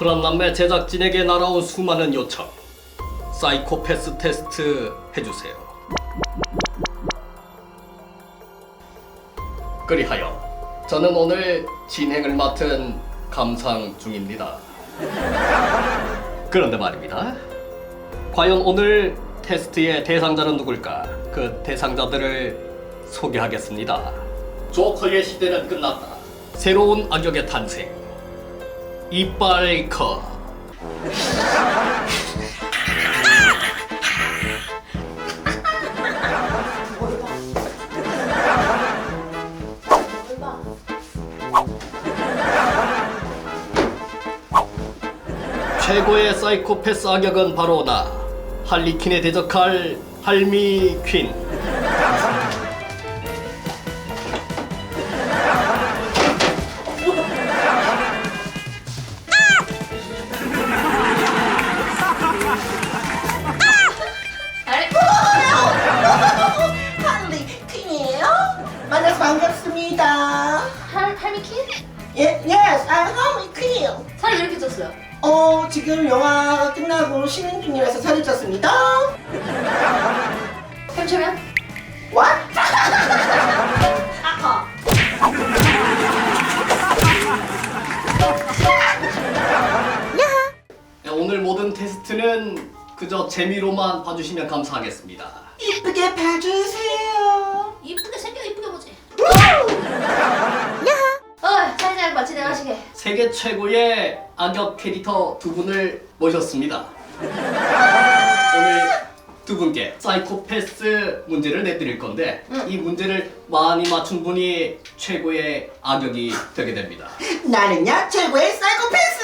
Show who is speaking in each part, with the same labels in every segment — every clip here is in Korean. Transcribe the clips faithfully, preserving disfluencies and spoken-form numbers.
Speaker 1: 프란남매 제작진에게 날아온 수많은 요청. 사이코패스 테스트 해주세요. 그리하여 저는 오늘 진행을 맡은 감상 중입니다. 그런데 말입니다. 과연 오늘 테스트의 대상자는 누굴까? 그 대상자들을 소개하겠습니다. 조커의 시대는 끝났다. 새로운 악역의 탄생. 이빨커. 최고의 사이코패스 악역은 바로 나, 할리퀸에 대적할 할미 퀸.
Speaker 2: 할리퀸이에요? 만나서 반갑습니다.
Speaker 3: 할, 할미퀸?
Speaker 2: 예, yes, I'm 할리퀸.
Speaker 3: 살이 왜 이렇게 쪘어요?
Speaker 2: 어, 지금 영화가 끝나고 쉬는 중이라서 살이 쪘습니다.
Speaker 3: 햄치면?
Speaker 2: What?
Speaker 3: 아까
Speaker 1: 오늘 모든 테스트는 그저 재미로만 봐주시면 감사하겠습니다.
Speaker 2: 이쁘게 봐주세요.
Speaker 3: 이쁘게 생겨 이쁘게 보지. 어, 사회자님 마치 내가 하시게.
Speaker 1: 세계 최고의 악역 캐릭터 두 분을 모셨습니다. 오늘 두 분께 사이코패스 문제를 내드릴 건데
Speaker 3: 응.
Speaker 1: 이 문제를 많이 맞춘 분이 최고의 악역이 되게 됩니다.
Speaker 2: 나는야 최고의 사이코패스.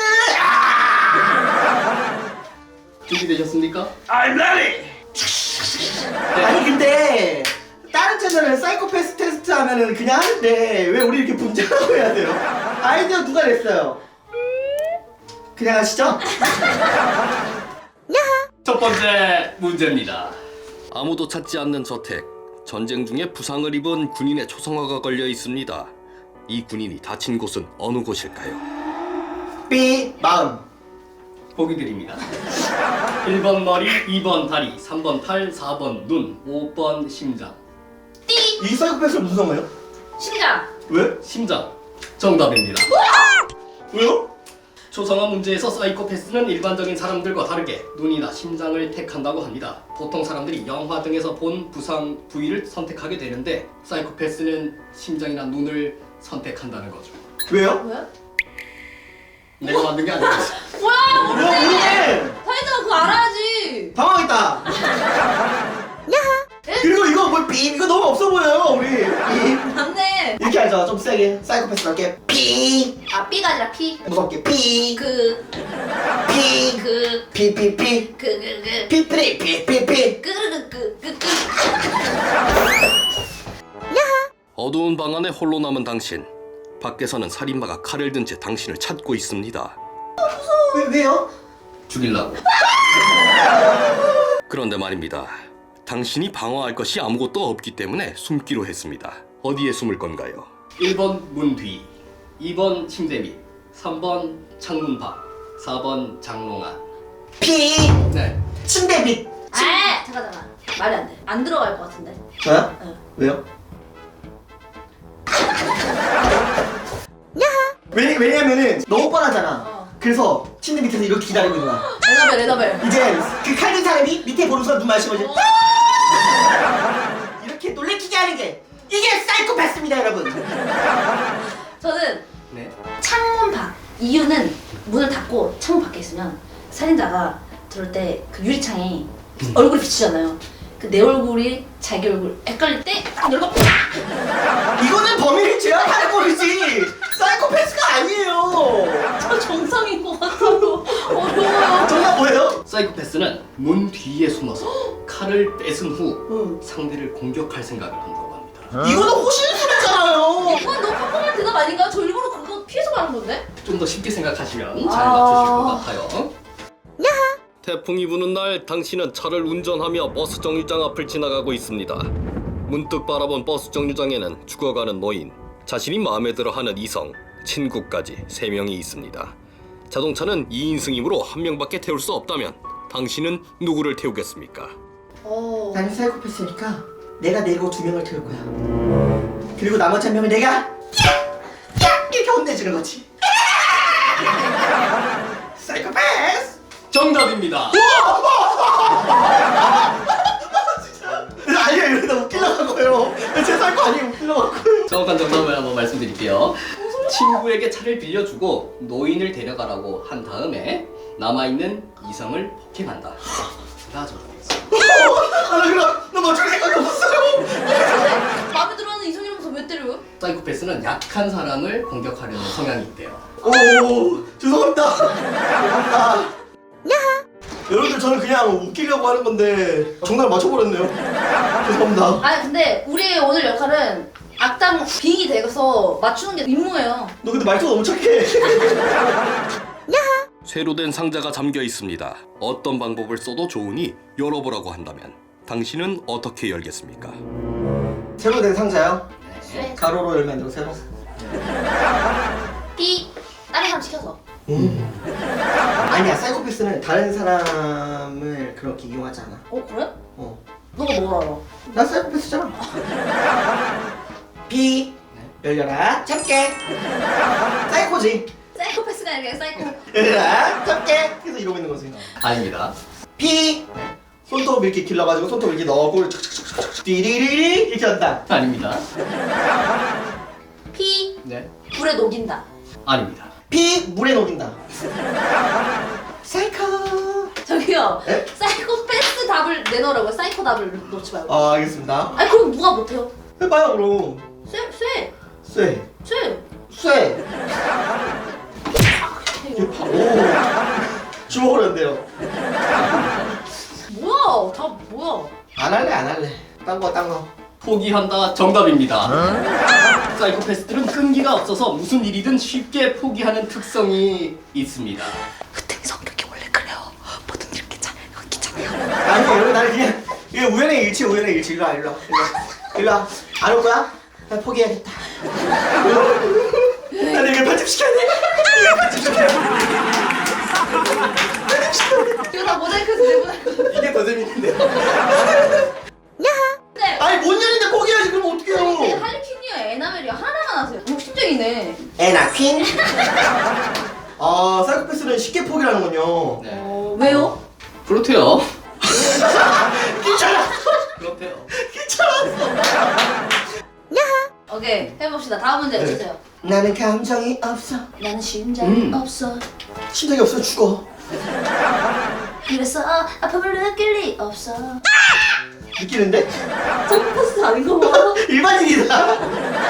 Speaker 2: 아!
Speaker 1: 준비되셨습니까?
Speaker 4: I'm ready!
Speaker 2: 아니 근데 다른 채널은 사이코패스 테스트 하면은 그냥 하는데 왜 우리 이렇게 분장하고 해야 돼요? 아이디어 누가 냈어요? 그냥 하시죠?
Speaker 1: 첫 번째 문제입니다. 아무도 찾지 않는 저택. 전쟁 중에 부상을 입은 군인의 초상화가 걸려 있습니다. 이 군인이 다친 곳은 어느 곳일까요?
Speaker 2: B 마음.
Speaker 1: 보기 드립니다. 일 번 머리, 이 번 다리, 삼 번 팔, 사 번 눈, 오 번 심장.
Speaker 3: 띠!
Speaker 2: 이 사이코패스는 무슨 상관이에요?
Speaker 3: 심장!
Speaker 2: 왜?
Speaker 1: 심장. 정답입니다.
Speaker 2: 왜요?
Speaker 1: 초상화 문제에서 사이코패스는 일반적인 사람들과 다르게 눈이나 심장을 택한다고 합니다. 보통 사람들이 영화 등에서 본 부상 부위를 선택하게 되는데 사이코패스는 심장이나 눈을 선택한다는 거죠.
Speaker 2: 왜요?
Speaker 3: 뭐야?
Speaker 1: 내가 만든 게 아니라
Speaker 3: 뭐야
Speaker 2: 뭐
Speaker 3: 모르네!
Speaker 2: 모르네.
Speaker 3: 사회자가 그거 알아야지!
Speaker 2: 당황했다. 그리고 이거 뭐 B 이거 너무 없어 보여요 우리. B.
Speaker 3: 맞네!
Speaker 2: 이렇게 하죠. 좀 세게 사이코패스답게 B
Speaker 3: 아 B가 아니라 P
Speaker 2: 무섭게 B
Speaker 3: 그...
Speaker 2: B
Speaker 3: 그...
Speaker 2: B B B
Speaker 3: 그... 그... 그...
Speaker 2: B B B B B
Speaker 3: 끄르르 그... 그... 그...
Speaker 1: 어두운 방 안에 홀로 남은 당신. 밖에서는 살인마가 칼을 든 채 당신을 찾고 있습니다.
Speaker 2: 왜 왜요?
Speaker 1: 죽이려고. 그런데 말입니다. 당신이 방어할 것이 아무것도 없기 때문에 숨기로 했습니다. 어디에 숨을 건가요? 일 번 문 뒤, 이 번 침대 밑, 삼 번 창문 밖, 사 번 장롱 안.
Speaker 2: B
Speaker 1: 네.
Speaker 2: 침대 밑.
Speaker 3: 아! 잠깐 잠깐 말이 안 돼. 안 들어갈 것 같은데.
Speaker 2: 저요?
Speaker 3: 응.
Speaker 2: 왜요? 왜, 왜냐면은 너무 뻔하잖아.
Speaker 3: 어.
Speaker 2: 그래서 침대 밑에서 이렇게 기다리고 있는 거야.
Speaker 3: 에너벨 에너벨.
Speaker 2: 이제 그 칼든 사람이 밑에 보는 순간 눈 마시고 이제
Speaker 3: 어.
Speaker 2: 이렇게 놀래키게 하는 게 이게 사이코패스입니다 여러분.
Speaker 3: 저는
Speaker 1: 네.
Speaker 3: 창문 밖. 이유는 문을 닫고 창문 밖에 있으면 살인자가 들어올 때 그 유리창에 얼굴이 비치잖아요. 그 내 얼굴이 자기 얼굴 헷갈릴 때 딱 열고
Speaker 2: 이거는 범인을 제압하는 거지 사이코패스가 아니에요.
Speaker 3: 저 정상인 것 같아요. 어려워요.
Speaker 2: 정답 뭐예요?
Speaker 1: 사이코패스는 문 뒤에 숨어서 칼을 뺏은 후
Speaker 2: 응.
Speaker 1: 상대를 공격할 생각을 한다고 합니다.
Speaker 2: 이거는 호신술이잖아요.
Speaker 3: 이건 너무 평범한 대답 아닌가? 저 일부러 그거 피해서 가는 건데?
Speaker 1: 좀 더 쉽게 생각하시면 잘
Speaker 3: 아.
Speaker 1: 맞추실 것 같아요. 태풍이 부는 날 당신은 차를 운전하며 버스 정류장 앞을 지나가고 있습니다. 문득 바라본 버스 정류장에는 죽어가는 노인, 자신이 마음에 들어하는 이성, 친구까지 세 명이 있습니다. 자동차는 이 인승이므로 한 명밖에 태울 수 없다면 당신은 누구를 태우겠습니까?
Speaker 3: 어.
Speaker 2: 나는 사이코패스니까 내가 내고 두 명을 태울 거야. 그리고 나머지 한 명을 내가 야! 야! 이렇게 혼내주는 거지. 사이코패스!
Speaker 1: 정답입니다.
Speaker 2: 아니요, 이러다 웃기려고 한 거예요. 제 사이코 아니에요, 웃기려고 한 거예요.
Speaker 1: 정확한 정답을 한번 말씀드릴게요. 친구에게 차를 빌려주고 노인을 데려가라고 한 다음에 남아있는 이성을 폭행한다. 가 정답이었어요.
Speaker 2: 아, 나 그럼 나 맞출 생각이 없었어요.
Speaker 3: 마음에 들어하는 이성이라면서 왜 때려요?
Speaker 1: 사이코패스는 약한 사람을 공격하려는 성향이 있대요.
Speaker 2: 오, 죄송합니다. 죄송합니다. 여러분들 저는 그냥 웃기려고 하는 건데 정답을 맞춰버렸네요. 죄송합니다.
Speaker 3: 아니 근데 우리의 오늘 역할은 악당 빙이 되어서 맞추는 게 임무예요.
Speaker 2: 너 근데 말투가 너무 착해.
Speaker 1: 쇠로 된 상자가 잠겨 있습니다. 어떤 방법을 써도 좋으니 열어보라고 한다면 당신은 어떻게 열겠습니까?
Speaker 2: 새로 된 상자요?
Speaker 3: 네.
Speaker 2: 가로로 열면 안 되고 세로.
Speaker 3: 삐 다른 사람 시켜서.
Speaker 2: 음. 아니야, 사이코패스는 다른 사람을 그렇게 이용하지 않아.
Speaker 3: 어 그래?
Speaker 2: 어.
Speaker 3: 너가 뭘 알아?
Speaker 2: 나 사이코패스잖아. 비 열려라 참깨. 사이코지.
Speaker 3: 사이코패스가 아니라 사이코.
Speaker 2: 열려라 참깨. 계속 이러고 있는 거지.
Speaker 1: 아닙니다.
Speaker 2: 피 손톱 이렇게 길러가지고 손톱 이렇게 넣고 착착착착착 띠리리리 이렇게 한다.
Speaker 1: 아닙니다.
Speaker 3: 피
Speaker 1: 네.
Speaker 3: 불에 녹인다.
Speaker 1: 아닙니다.
Speaker 2: 피 물에 녹인다. 사이코.
Speaker 3: 저기요.
Speaker 2: 에?
Speaker 3: 사이코패스 답을 내놓으라고요. 사이코 답을 놓지 말고.
Speaker 2: 아, 알겠습니다.
Speaker 3: 아니 그럼 누가 못해요?
Speaker 2: 해봐요 그럼.
Speaker 3: 쇠 쇠.
Speaker 2: 쇠.
Speaker 3: 쇠.
Speaker 2: 쇠. 오. 주먹으로 한대요.
Speaker 3: 뭐야? 다 뭐야?
Speaker 2: 안 할래 안 할래. 딴 거 딴 거.
Speaker 1: 포기한다. 정답입니다. 사이코패스들은 끈기가 없어서 무슨 일이든 쉽게 포기하는 특성이 있습니다.
Speaker 3: 으뜸이 성격이 원래 그래요. 뭐든 이렇게 잘 귀찮아요.
Speaker 2: 아니 여러분 나는 그냥 이게 우연의 일치 우연의 일치. 일로 와 일로 와 일로 와. 안 올 거야? 나 포기해야겠다. 나는 이거 편집시켜야 돼. 이거 편집시켜야 돼.
Speaker 3: 이거 다 모자이크해서 내보낼 거.
Speaker 2: 이게 더 재밌는데.
Speaker 3: 네.
Speaker 2: 아니 뭔 년인데 포기해야지. 그럼 어떡해요.
Speaker 3: 할리퀸이요, 에나멜이요. 하나만 하세요. 욕심쟁이네.
Speaker 2: 에나 퀸. 아 사이코패스는 쉽게 포기하는군요.
Speaker 1: 네.
Speaker 3: 어, 왜요?
Speaker 1: 그렇대요.
Speaker 2: 괜찮아.
Speaker 1: 그렇대요.
Speaker 2: 괜찮았어.
Speaker 3: 오케이, 해봅시다. 다음 문제 주세요.
Speaker 2: 나는 감정이 없어.
Speaker 3: 나는 심장이
Speaker 1: 음.
Speaker 3: 없어.
Speaker 2: 심장이 없어 죽어.
Speaker 3: 그래서 아픔을 느낄 리 없어.
Speaker 2: 느끼는데?
Speaker 3: 사이코패스 아닌가 봐.
Speaker 2: 일반인이다.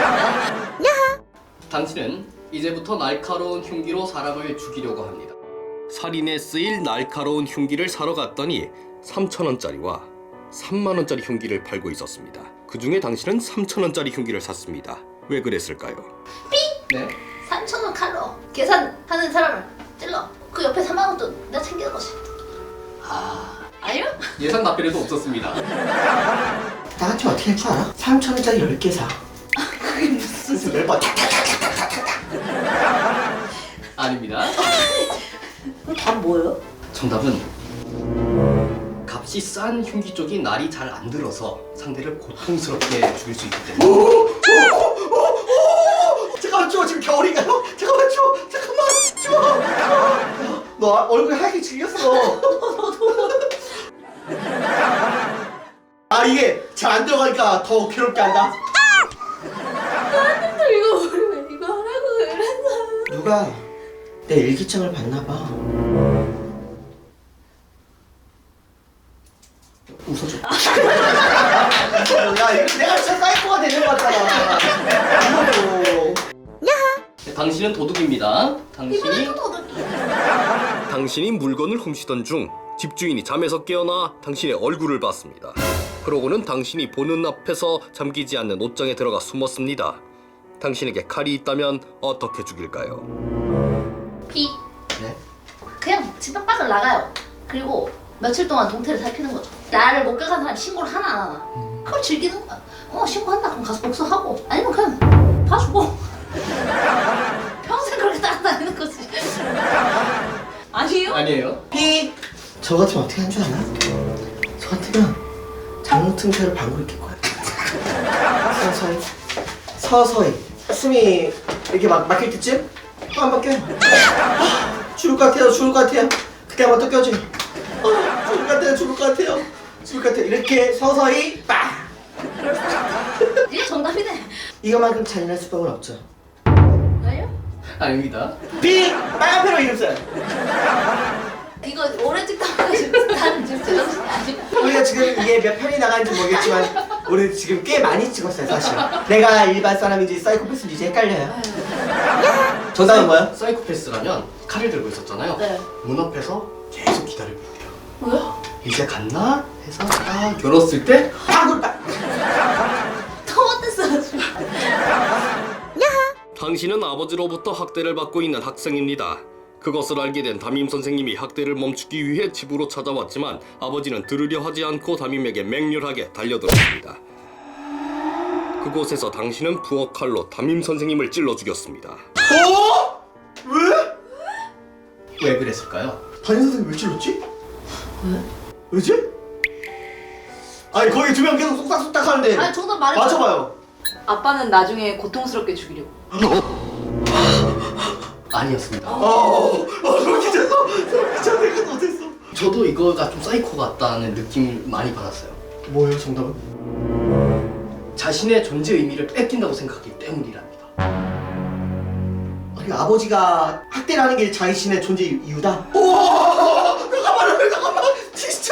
Speaker 1: 당신은 이제부터 날카로운 흉기로 사람을 죽이려고 합니다. 살인에 쓰일 날카로운 흉기를 사러 갔더니 삼천 원짜리와 삼만 원짜리 흉기를 팔고 있었습니다. 그 중에 당신은 삼천 원짜리 흉기를 샀습니다. 왜 그랬을까요? 네.
Speaker 3: 삼천 원 칼로 계산하는 사람을 찔러. 그 옆에 삼만 원도 내가 챙기는 거지.
Speaker 1: 아,
Speaker 3: 아니요?
Speaker 1: 예상 답변에도 없었습니다.
Speaker 2: 나한테 어떻게 할 줄 알아? 삼천 원짜리 열 개 사.
Speaker 3: 그게 무슨
Speaker 2: 그래서 매번 탁탁탁탁탁탁.
Speaker 1: 아닙니다.
Speaker 3: 그럼 답 뭐예요?
Speaker 1: 정답은 값이 싼 흉기 쪽이 날이 잘 안 들어서 상대를 고통스럽게 죽일 수 있기 때문에.
Speaker 2: 잠깐만 줘. 지금 겨울인가요? 잠깐만 줘. 잠깐만 줘. 너 얼굴 하얗게 질렸어. 아 이게 잘 안 들어가니까 더 괴롭게 한다.
Speaker 3: 나한테 이거 모르면 이거 하라고 그랬어.
Speaker 2: 누가 내 일기장을 봤나 봐. 웃어줘. 야 이거 내가 진짜 사이코가 되는 거 같잖아. 이거도.
Speaker 1: 네, 당신은 도둑입니다. 당신이
Speaker 3: 이번엔 또 도둑이.
Speaker 1: 당신이 물건을 훔치던 중 집주인이 잠에서 깨어나 당신의 얼굴을 봤습니다. 그러고는 당신이 보는 앞에서 잠기지 않는 옷장에 들어가 숨었습니다. 당신에게 칼이 있다면 어떻게 죽일까요?
Speaker 3: 피.
Speaker 2: 네?
Speaker 3: 그냥 집 밖을 나가요. 그리고 며칠 동안 동태를 살피는 거죠. 나를 목격한 사람 신고를 하나 안 하나. 그걸 즐기는 거야. 어 신고한다 그럼 가서 복수하고 아니면 그냥 봐주고 평생 그렇게 따라다니는 거지. 아니에요?
Speaker 1: 아니에요.
Speaker 2: 피. 저 같으면 어떻게 한 줄 아나? 저 같으면 장롱 방구를 낄 거야. 서서히 서서히 숨이 이렇게 막 막힐 때쯤 또 한 번 껴요. 아, 죽을 것 같아요. 죽을 것 같아요. 그때 한 번 또 껴줘요. 아, 죽을 것 같아요. 죽을 것 같아요. 죽을 것 같아요. 이렇게 서서히 빡.
Speaker 3: 이게 정답이네.
Speaker 2: 이거만큼 잔인할 수법은 없죠.
Speaker 3: 아니요?
Speaker 1: 아닙니다.
Speaker 2: 비. 빨간 패로 이름 써요.
Speaker 3: 이거 오래 찍다가 지금 나는 지금 제정신이 아니고.
Speaker 2: 우리가 지금 이게 몇 편이 나가는지 모르겠지만 우리 지금 꽤 많이 찍었어요 사실. 내가 일반 사람인지 사이코패스인지 이제 헷갈려요. 정답은 뭐야?
Speaker 1: 사이코패스라면 칼을 들고 있었잖아요.
Speaker 3: 네.
Speaker 1: 문 앞에서 계속 기다리고 있대요.
Speaker 3: 뭐야?
Speaker 1: 이제 갔나? 해서 딱 열었을 때
Speaker 2: 방구 딱.
Speaker 3: 토마토스.
Speaker 1: 당신은 아버지로부터 학대를 받고 있는 학생입니다. 그것을 알게 된 담임 선생님이 학대를 멈추기 위해 집으로 찾아왔지만 아버지는 들으려 하지 않고 담임에게 맹렬하게 달려들었습니다. 그곳에서 당신은 부엌 칼로 담임 선생님을 찔러 죽였습니다.
Speaker 2: 어? 왜?
Speaker 1: 왜 그랬을까요?
Speaker 2: 담임 선생님 왜 찔렀지?
Speaker 3: 왜?
Speaker 2: 왜지? 아니 거기 두 명 계속 쏙닥쏙닥 하는데
Speaker 3: 아니 정답 말해줘.
Speaker 2: 맞춰봐요.
Speaker 4: 아빠는 나중에 고통스럽게 죽이려고.
Speaker 1: 아니었습니다.
Speaker 2: 어, 어, 소름 끼쳤어. 소름 끼쳤어. 내가 못했어.
Speaker 1: 저도 이거가 좀 사이코 같다는 느낌을 많이 받았어요.
Speaker 2: 뭐예요 정답은?
Speaker 1: 자신의 존재 의미를 뺏긴다고 생각하기 때문이랍니다.
Speaker 2: 아니 아버지가 학대를 하는 게 자신의 존재 이유다? 오! 잠깐만 잠깐만 진짜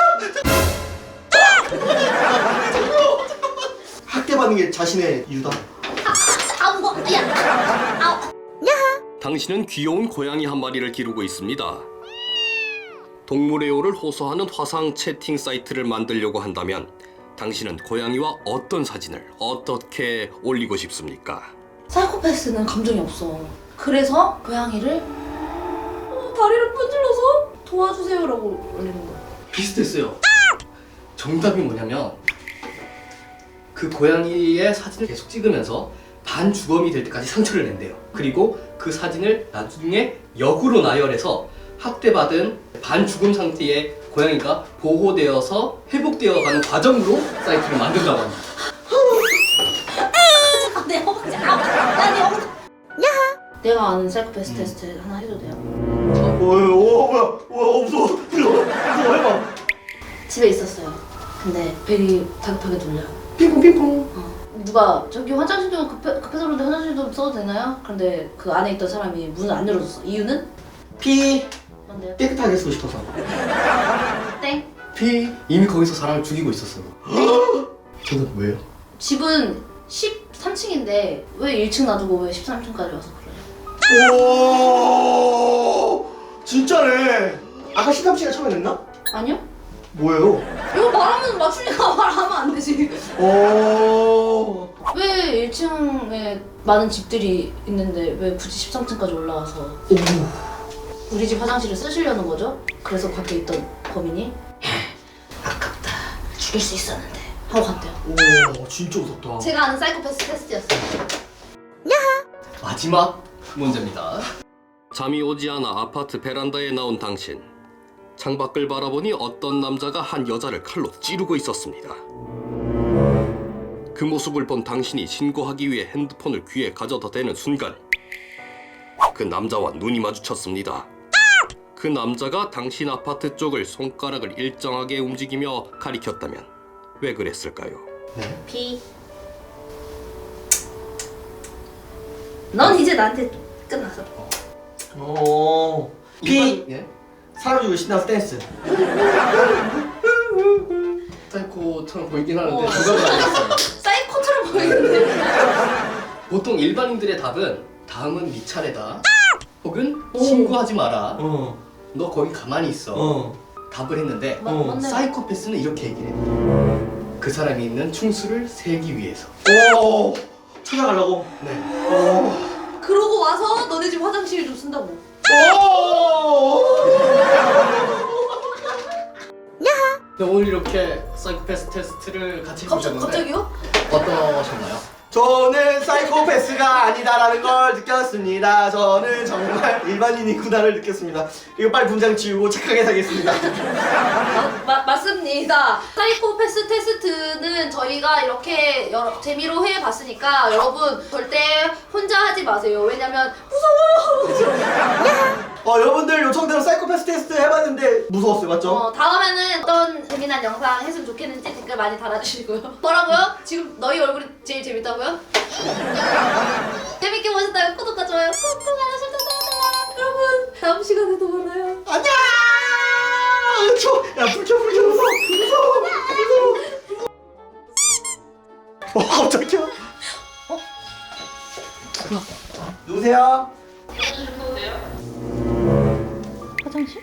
Speaker 2: 학대받는 게 자신의 이유다?
Speaker 3: 아우 뭐, 야. 아우.
Speaker 1: 당신은 귀여운 고양이 한 마리를 기르고 있습니다. 동물애호를 호소하는 화상 채팅 사이트를 만들려고 한다면 당신은 고양이와 어떤 사진을 어떻게 올리고 싶습니까?
Speaker 3: 사이코패스는 감정이 없어. 그래서 고양이를 어, 다리를 분질러서 도와주세요라고 올리는 거야.
Speaker 1: 비슷했어요. 정답이 뭐냐면 그 고양이의 사진을 계속 찍으면서 반주검이 될 때까지 상처를 낸대요. 그리고 그 사진을 나중에 역으로 나열해서 학대받은 반죽음 상태의 고양이가 보호되어서 회복되어가는 과정으로 사이트를 만든다고 합니다.
Speaker 3: 잠깐 내 허벅지. 아우. 나내 허벅지. 내가 아는 사이코패스 테스트 하나 해도 돼요?
Speaker 2: 뭐예요? 오 뭐야? 와 무서워. 무서워. 무서워 해봐.
Speaker 3: 집에 있었어요. 근데 벨이 다급하게 눌려요.
Speaker 1: 핑퐁 핑퐁.
Speaker 3: 어. 누가 저기 화장실 좀 급해, 급해서 그런데 화장실 좀 써도 되나요? 그런데 그 안에 있던 사람이 문을 안 열어줬어. 이유는?
Speaker 2: 피.
Speaker 3: 뭔데요?
Speaker 2: 깨끗하게 쓰고 싶어서.
Speaker 3: 땡.
Speaker 1: 피 이미 거기서 사람을 죽이고 있었어요. 저는 왜요?
Speaker 3: 집은 십삼 층인데 왜 일 층 놔두고 왜 십삼 층까지 와서 그래요?
Speaker 2: 오 진짜네. 아까 십삼 층에 처음에 냈나?
Speaker 3: 아니요?
Speaker 2: 뭐예요?
Speaker 3: 이거 말하면 맞추니까 말하면 안 되지.
Speaker 2: 오.
Speaker 3: 왜 일 층에 많은 집들이 있는데 왜 굳이 십삼 층까지 올라와서
Speaker 2: 오.
Speaker 3: 우리 집 화장실을 쓰시려는 거죠? 그래서 밖에 있던 범인이 아깝다 죽일 수 있었는데 하고 갔대요.
Speaker 2: 오 진짜 무섭다.
Speaker 3: 제가 아는 사이코패스 테스트였어요.
Speaker 1: 마지막 문제입니다. 잠이 오지 않아 아파트 베란다에 나온 당신. 창밖을 바라보니 어떤 남자가 한 여자를 칼로 찌르고 있었습니다. 그 모습을 본 당신이 신고하기 위해 핸드폰을 귀에 가져다 대는 순간 그 남자와 눈이 마주쳤습니다. 그 남자가 당신 아파트 쪽을 손가락을 일정하게 움직이며 가리켰다면 왜 그랬을까요?
Speaker 2: 네.
Speaker 3: 비. 넌 이제 나한테 끝났어.
Speaker 2: 오. 피.
Speaker 1: 일반- 예?
Speaker 2: 사람 죽이고 신나서 댄스.
Speaker 1: 사이코처럼 보이긴 하는데
Speaker 3: 어.
Speaker 1: 정답은 아니었어요.
Speaker 3: 사이코처럼 보이는데.
Speaker 1: 보통 일반인들의 답은 다음은 네 차례다 혹은
Speaker 3: 오.
Speaker 1: 신고하지 마라,
Speaker 2: 어.
Speaker 1: 너 거기 가만히 있어
Speaker 2: 어.
Speaker 1: 답을 했는데
Speaker 3: 마-
Speaker 2: 어.
Speaker 3: 맞네.
Speaker 1: 사이코패스는 이렇게 얘기를 해요. 그 사람이 있는 충수를 세기 위해서.
Speaker 2: 오. 찾아가려고.
Speaker 1: 네.
Speaker 2: 오.
Speaker 3: 그러고 와서 너네 집 화장실 좀 쓴다고.
Speaker 2: 오.
Speaker 1: 네, 오늘 이렇게 사이코패스 테스트를 같이
Speaker 3: 갑자기
Speaker 1: 해보셨는데
Speaker 3: 갑자기요?
Speaker 1: 어떠셨나요?
Speaker 2: 저는 사이코패스가 아니다라는 걸 느꼈습니다. 저는 정말 일반인이구나를 느꼈습니다. 이거 빨리 분장 지우고 착하게 살겠습니다.
Speaker 3: 마, 마, 맞습니다. 사이코패스 테스트는 저희가 이렇게 여러, 재미로 해봤으니까 여러분 절대 혼자 하지 마세요. 왜냐면 무서워요.
Speaker 2: 어, 여러분들 요청대로 사이코패스 테스트 해봤는데 무서웠어요, 맞죠?
Speaker 3: 어, 다음에는 어떤 재미난 영상 했으면 좋겠는지 댓글 많이 달아주시고요. 뭐라고요? 지금 너희 얼굴이 제일 재밌다고요? 재밌게 보셨다면 구독과 좋아요 꾹꾹 알려주세요. 여러분 다음 시간에도 만나요.
Speaker 2: 안녕! 저, 야, 불켜, 불켜, 무서워, 무서워, 무서워. 어, 깜짝이야. 어? 뭐야? 누구세요?
Speaker 3: 화장실?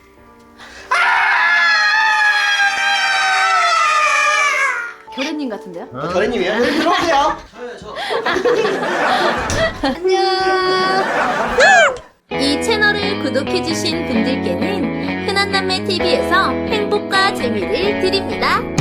Speaker 3: 결혜님 같은데요?
Speaker 2: 어? 결혜님이요? 네, 들어오세요.
Speaker 3: 안녕.
Speaker 5: 이 채널을 구독해주신 분들께는 흔한남매티비에서 행복과 재미를 드립니다.